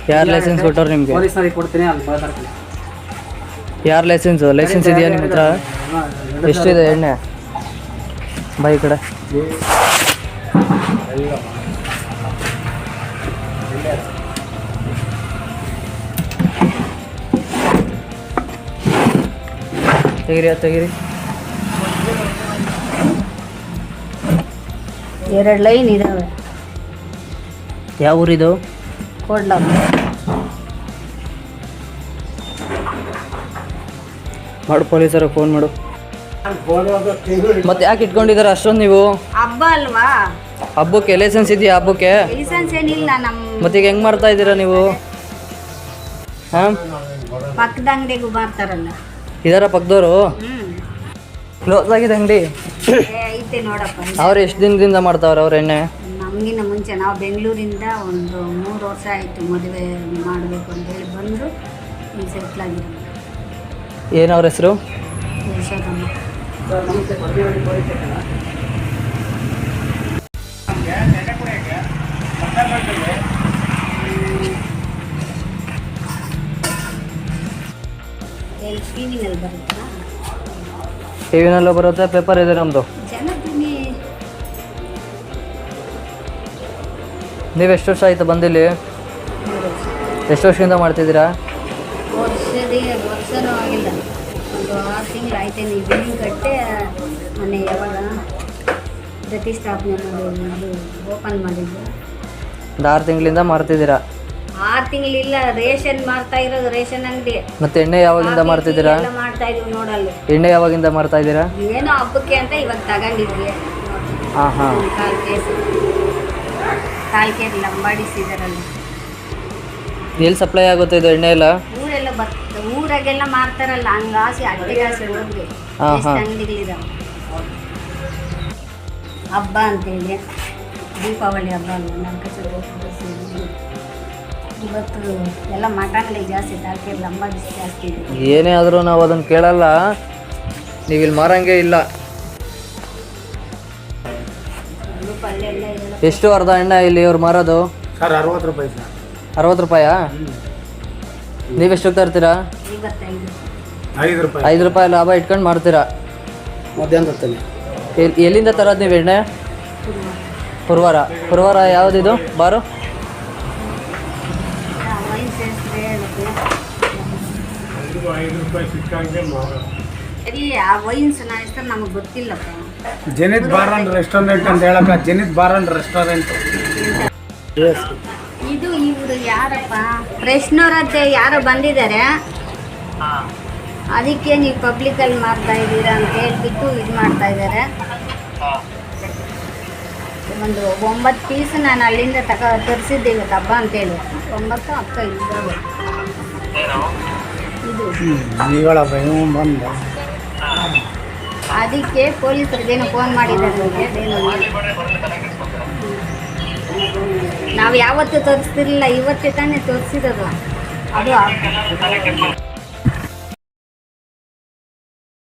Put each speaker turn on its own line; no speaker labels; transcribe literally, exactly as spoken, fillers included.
ಯಾರು ಲೈಸೆನ್ಸ್ ಕೊಟ್ಟವ್ರು ನಿಮಗೆ?
ಪೊಲೀಸ್ನವ್ರಿಗೆ ಕೊಡ್ತೀನಿ, ಅಲ್ಲಿ ಮಾತಾಡ್ತೀನಿ.
ಯಾರು ಲೈಸೆನ್ಸ್ ಲೈಸೆನ್ಸ್ ಇದೆಯಾ ನಿಮ್ಮ ಹತ್ರ? ಎಷ್ಟಿದೆ ಎಣ್ಣೆ? ಬೈ ಈ ಕಡೆ. ತೆಗಿರಿ ತೆಗಿರಿ.
ಎರಡು ಲೈನ್ ಇದಾವೆ.
ಯಾವ ಊರಿದು?
ಕೊಡ್ಲ.
ಮಾಡು, ಪೊಲೀಸರಿಗೆ ಫೋನ್ ಮಾಡು. ಮತ್ತೆ ಯಾಕೆ ಇಟ್ಕೊಂಡಿದ್ದಾರೆ ಅಷ್ಟೊಂದು ನೀವು?
ಹಬ್ಬ ಅಲ್ವಾ?
ಹಬ್ಬಕ್ಕೆ ಲೈಸೆನ್ಸ್ ಇದೆಯಾ? ಹಬ್ಬಕ್ಕೆ
ಲೈಸೆನ್ಸ್ ಏನಿಲ್ಲ ನಮ್ಮ.
ಮತ್ತೆ ಈಗ ಹೆಂಗ್ ಮಾಡ್ತಾ ಇದ್ದೀರಾ ನೀವು? ಹಾಂ,
ಪಕ್ಕದ ಅಂಗಡಿಗೂ ಬರ್ತಾರಲ್ಲ.
ಇದರ ಪಕ್ಕದವರು
ಹ್ಮ್,
ಕ್ಲೋಸ್ ಆಗಿದೆ ಅಂಗಡಿ.
ಐತೆ ನೋಡಪ್ಪ.
ಅವ್ರು ಎಷ್ಟು ದಿನದಿಂದ ಮಾಡ್ತಾವ್ರೆ ಅವ್ರ ಎಣ್ಣೆ?
ನಮಗಿನ್ನ ಮುಂಚೆ ನಾವು ಬೆಂಗಳೂರಿಂದ ಒಂದು ಮೂರು ವರ್ಷ ಆಯಿತು ಮದುವೆ ಮಾಡಬೇಕು ಅಂತ ಹೇಳಿ ಬಂದು ಈಗ ಸೆಟ್ಲ್ ಆಗಿರೋದು.
ಏನು ಅವ್ರ ಹೆಸರು?
ಯಶೋದಮ್ಮ. ಟಿ ವಿನಲ್ಲಿ ಬರುತ್ತಾ?
ಟಿ ವಿನಲ್ಲೂ ಬರುತ್ತೆ, ಪೇಪರ್ ಇದೆ ನಮ್ಮದು.
ಜನದಿನಿ.
ನೀವು ಎಷ್ಟು ವರ್ಷ ಆಯಿತು ಬಂದಿಲ್ಲಿ? ಎಷ್ಟು ವರ್ಷದಿಂದ ಮಾಡ್ತಿದ್ದೀರಾ?
ವರ್ಷದೇ ವರ್ಷನೂ ಆಗಿಲ್ಲ, ಒಂದು ಆರು ತಿಂಗಳು ಆಯ್ತು. ನೀವು ಬಿಲ್ಡಿಂಗ್ ಕಟ್ಟೆ ಮೊನ್ನೆ ಯಾವಾಗ ಪ್ರತಿಷ್ಠಾಪನೆ ಮಾಡಿ ಓಪನ್ ಮಾಡಿದ್ದು.
ಒಂದು ಆರು ತಿಂಗಳಿಂದ ಮಾಡ್ತಿದ್ದೀರಾ?
ಆರು ತಿಂಗಳಿಲ್ಲ, ರೇಷನ್ ಮಾಡ್ತಾ ಇರೋದು, ರೇಷನ್ ಅಂಗಡಿ.
ಮತ್ತೆ ಎಣ್ಣೆ ಯಾವಾಗಿಂದ ಮಾಡ್ತಿದ್ದೀರಾ?
ಮಾಡ್ತಾ ಇದೀವಿ ನೋಡಲ್ಲ.
ಎಣ್ಣೆ ಯಾವಾಗಿಂದ ಮಾಡ್ತಾ ಇದ್ದೀರಾ?
ಏನೋ ಹಬ್ಬಕ್ಕೆ ಅಂತ ಇವಾಗ ತಗೊಂಡಿದ್ವಿ.
ಹಾಂ ಹಾಂ.
ಕಾಲು ಕೇಸ್ ಕಾಲು ಕೇಸ್ ಲಂಬಾಡಿಸಿದಾರಲ್ಲ.
ಎಲ್ಲಿ ಸಪ್ಲೈ ಆಗುತ್ತೆ ಇದು ಎಣ್ಣೆ ಎಲ್ಲ?
ಊರೆಲ್ಲ ಬರ್ತದೆ, ಊರಾಗೆಲ್ಲ ಮಾರ್ತಾರಲ್ಲ, ಹಂಗಾಸಿ ಅಡ್ಡಿಗಾಸಿ ಹೋಗಿ ಎಷ್ಟು ಅಂಗಡಿಗಳಿದಾವೆ. ಹಬ್ಬ ಅಂತೇಳಿ ದೀಪಾವಳಿ ಹಬ್ಬ ಅಲ್ಲ, ನರಕ ಚತುರ್ಥಿ ಇವತ್ತು ಎಲ್ಲ ಮಟನ್ಗಳಿಗೆ ಜಾಸ್ತಿ ತಾಕೆ ಲಂಬಾಡಿಸಿ ಜಾಸ್ತಿ ಇದೆ.
ಏನೇ ಆದರೂ ನಾವು ಅದನ್ನು ಕೇಳಲ್ಲ, ನೀವು ಇಲ್ಲಿ ಮಾರಂಗೆ ಇಲ್ಲ. ಎಷ್ಟು ಅರ್ಧ ಎಣ್ಣೆ ಇಲ್ಲಿ ಇವ್ರು ಮಾರೋದು?
ಸರ್ ಅರವತ್ತು ರೂಪಾಯಿ ಸರ್.
ಅರವತ್ತು ರೂಪಾಯಾ? ನೀವೆಷ್ಟು ತರ್ತೀರಾ?
ಐದು ರೂಪಾಯಿ.
ಐದು ರೂಪಾಯಿ ಲಾಭ ಇಟ್ಕೊಂಡು ಮಾಡ್ತೀರಾ?
ಮಧ್ಯಾಹ್ನ ತರ್ತೀನಿ.
ಎಲ್ಲಿ ಎಲ್ಲಿಂದ ತರೋದು ನೀವು ಎಣ್ಣೆ? ಪುರವಾರ. ಪುರವಾರ ಯಾವುದಿದು ಬಾರು?
ನಮಗೆ ಗೊತ್ತಿಲ್ಲಪ್ಪ.
ಜನಿತ್ ಬಾರ್ ಅಂಡ್ ರೆಸ್ಟೋರೆಂಟ್ ಅಂತ ಹೇಳಕ್ಕ, ಜನಿತ್ ಬಾರ್ ಅಂಡ್ ರೆಸ್ಟೋರೆಂಟ್.
ಇದು ಇವರು ಯಾರಪ್ಪ, ಫ್ರೆಶ್ನವರದ್ದೇ ಯಾರೋ ಬಂದಿದ್ದಾರೆ, ಅದಕ್ಕೆ ನೀವು ಪಬ್ಲಿಕಲ್ಲಿ ಮಾಡ್ತಾ ಇದ್ದೀರಾ ಅಂತ ಹೇಳ್ಬಿಟ್ಟು ಇದು ಮಾಡ್ತಾ ಇದ್ದಾರೆ. ಒಂದು ಒಂಬತ್ತು ಪೀಸ್ ನಾನು ಅಲ್ಲಿಂದ ತಗ ತರಿಸಿದ್ದೆ ಇವತ್ತು ಹಬ್ಬ ಅಂತೇಳಿ. ಒಂಬತ್ತು ಅಕ್ಕ ಇದ್ದಾವೆ. ಇದು
ಬಂದ
ಅದಕ್ಕೆ ಪೊಲೀಸರಿಗೇನು ಫೋನ್ ಮಾಡಿದ್ದಾರೆ. ನಾವು ಯಾವತ್ತೂ ತೋರಿಸ್ತಿರ್ಲಿಲ್ಲ, ಇವತ್ತೇ ತಾನೇ ತೋರಿಸಿರೋದು. ಅದು